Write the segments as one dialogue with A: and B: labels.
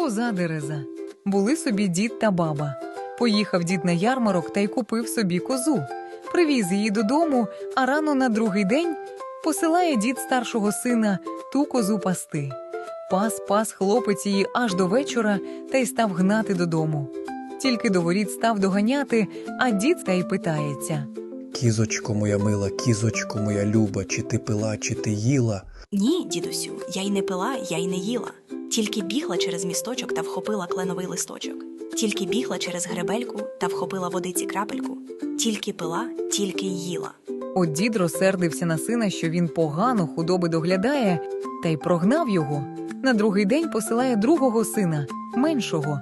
A: Коза Дереза. Були собі дід та баба. Поїхав дід на ярмарок та й купив собі козу. Привіз її додому, а рано на другий день посилає дід старшого сина ту козу пасти. Пас хлопець її аж до вечора та й став гнати додому. Тільки до воріт став доганяти, а дід та й питається:
B: «Кізочко моя мила, кізочко моя люба, чи ти пила, чи ти їла?»
C: Ні, дідусю, я й не пила, я й не їла. Тільки бігла через місточок та вхопила кленовий листочок. Тільки бігла через гребельку та вхопила водиці крапельку. Тільки пила, тільки й їла.
A: От дід розсердився на сина, що він погано худоби доглядає, та й прогнав його. На другий день посилає другого сина, меншого.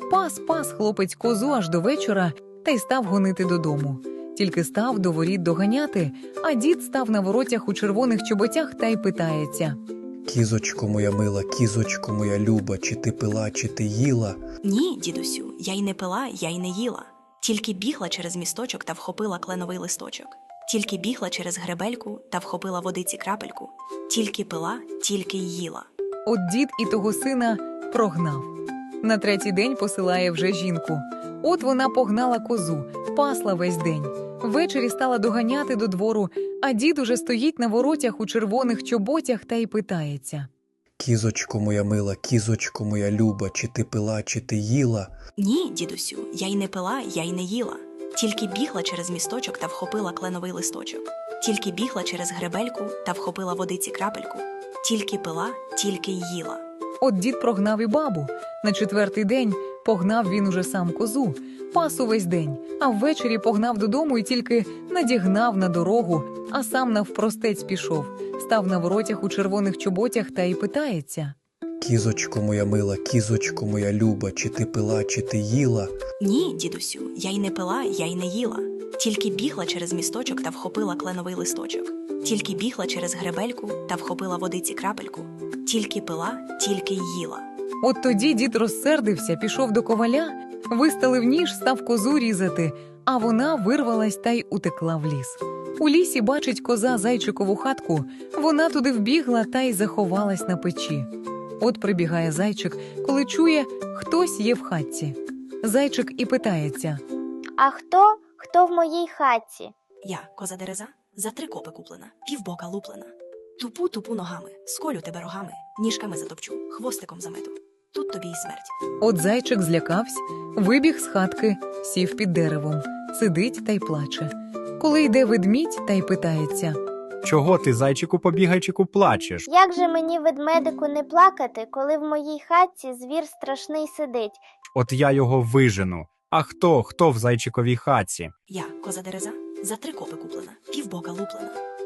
A: Пас хлопець козу аж до вечора та й став гонити додому. Тільки став до воріт доганяти, а дід став на воротях у червоних чоботях та й питається:
B: «Кізочко моя мила, кізочко моя люба, чи ти пила, чи ти їла?»
C: Ні, дідусю, я й не пила, я й не їла. Тільки бігла через місточок та вхопила кленовий листочок. Тільки бігла через гребельку та вхопила водиці крапельку. Тільки пила, тільки й їла.
A: От дід і того сина прогнав. На третій день посилає вже жінку. От вона погнала козу, пасла весь день. Ввечері стала доганяти до двору, а дід уже стоїть на воротях у червоних чоботях та й питається:
B: «Кізочко моя мила, кізочко моя люба, чи ти пила, чи ти їла?»
C: Ні, дідусю, я й не пила, я й не їла. Тільки бігла через місточок та вхопила кленовий листочок. Тільки бігла через гребельку та вхопила водиці крапельку. Тільки пила, тільки й їла.
A: От дід прогнав і бабу. На четвертий день погнав він уже сам козу, пас увесь день, а ввечері погнав додому і тільки надігнав на дорогу, а сам навпростець пішов, став на воротях у червоних чоботях та й питається:
B: «Кізочко моя мила, кізочко моя люба, чи ти пила, чи ти їла?»
C: Ні, дідусю, я й не пила, я й не їла. Тільки бігла через місточок та вхопила кленовий листочок. Тільки бігла через гребельку та вхопила водиці крапельку. Тільки пила, тільки й їла.
A: От тоді дід розсердився, пішов до коваля, виставив ніж, став козу різати, а вона вирвалась та й утекла в ліс. У лісі бачить коза зайчикову хатку, вона туди вбігла та й заховалась на печі. От прибігає зайчик, коли чує, хтось є в хатці. Зайчик і питається:
D: «А хто в моїй хатці?»
C: Я, коза Дереза, за 3 копи куплена, півбока луплена. Тупу ногами, сколю тебе рогами, ніжками затопчу, хвостиком замету. Тут тобі й смерть.
A: От зайчик злякався, вибіг з хатки, сів під деревом, сидить та й плаче. Коли йде ведмідь та й питається:
E: «Чого ти, зайчику побігайчику, плачеш?»
D: «Як же мені, ведмедику, не плакати, коли в моїй хатці звір страшний сидить?»
E: «От я його вижену. А хто в зайчиковій хатці?»
C: Я, коза Дереза, за 3 копи куплена, півбока луплена.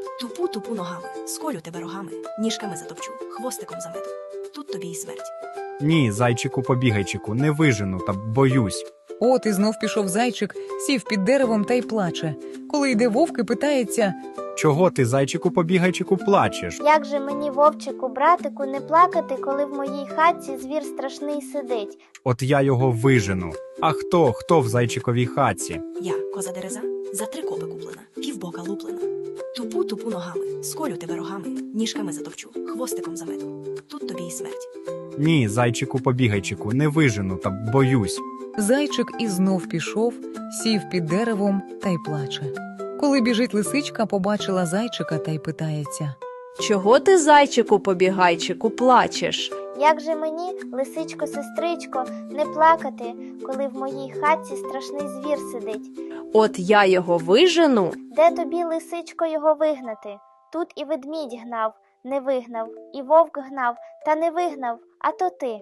C: Тупу ногами, сколю тебе рогами, ніжками затопчу, хвостиком замету. Тут тобі й смерть.
E: «Ні, зайчику побігайчику, не вижену, та боюсь».
A: От і знов пішов зайчик, сів під деревом та й плаче. Коли йде вовк і питається:
E: «Чого ти, зайчику побігайчику, плачеш?»
D: «Як же мені, вовчику, братику, не плакати, коли в моїй хатці звір страшний сидить?»
E: «От я його вижену. А хто в зайчиковій хатці?»
C: Я, коза Дереза, за 3 копи куплена, півбока луплена. Тупу ногами, сколю тебе рогами, ніжками затопчу, хвостиком замету. Тут тобі й смерть.
E: «Ні, зайчику побігайчику, не вижену, та боюсь».
A: Зайчик і знов пішов, сів під деревом та й плаче. Коли біжить лисичка, побачила зайчика та й питається:
F: «Чого ти, зайчику побігайчику, плачеш?»
D: «Як же мені, лисичко, сестричко, не плакати, коли в моїй хатці страшний звір сидить?»
F: «От я його вижену».
D: «Де тобі, лисичко, його вигнати? Тут і ведмідь гнав, не вигнав, і вовк гнав, та не вигнав, а то ти».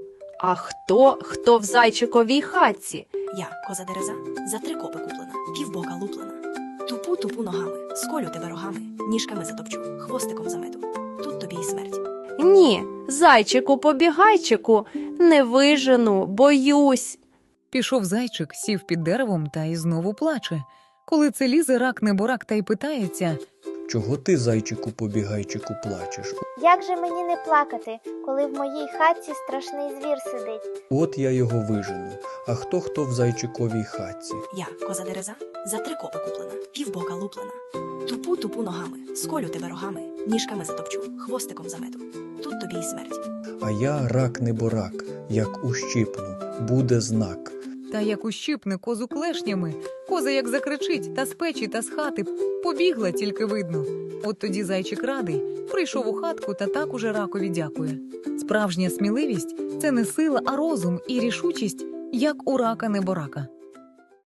F: «А хто в зайчиковій хатці?»
C: Я, коза Дереза, за 3 копи куплена, півбока луплена. Тупу ногами, сколю тебе рогами, ніжками затопчу, хвостиком замету. Тут тобі й смерть.
F: «Ні, зайчику побігайчику, не вижену, боюсь».
A: Пішов зайчик, сів під деревом та й знову плаче. Коли це лізе рак неборак та й питається:
B: Чого ти, зайчику побігайчику, плачеш?
D: Як же мені не плакати, коли в моїй хатці страшний звір сидить?
B: От я його вижену. А хто в зайчиковій хатці?
C: Я, коза дереза, за 3 копи куплена, півбока луплена. Тупу ногами, сколю тебе рогами, ніжками затопчу, хвостиком замету. Тут тобі й смерть.
B: А я рак неборак, як ущипну, буде знак.
A: Та як ущипне козу клешнями, коза як закричить та з печі, та з хати, побігла тільки видно. От тоді зайчик радий, прийшов у хатку та так уже ракові дякує. Справжня сміливість – це не сила, а розум і рішучість, як у рака неборака.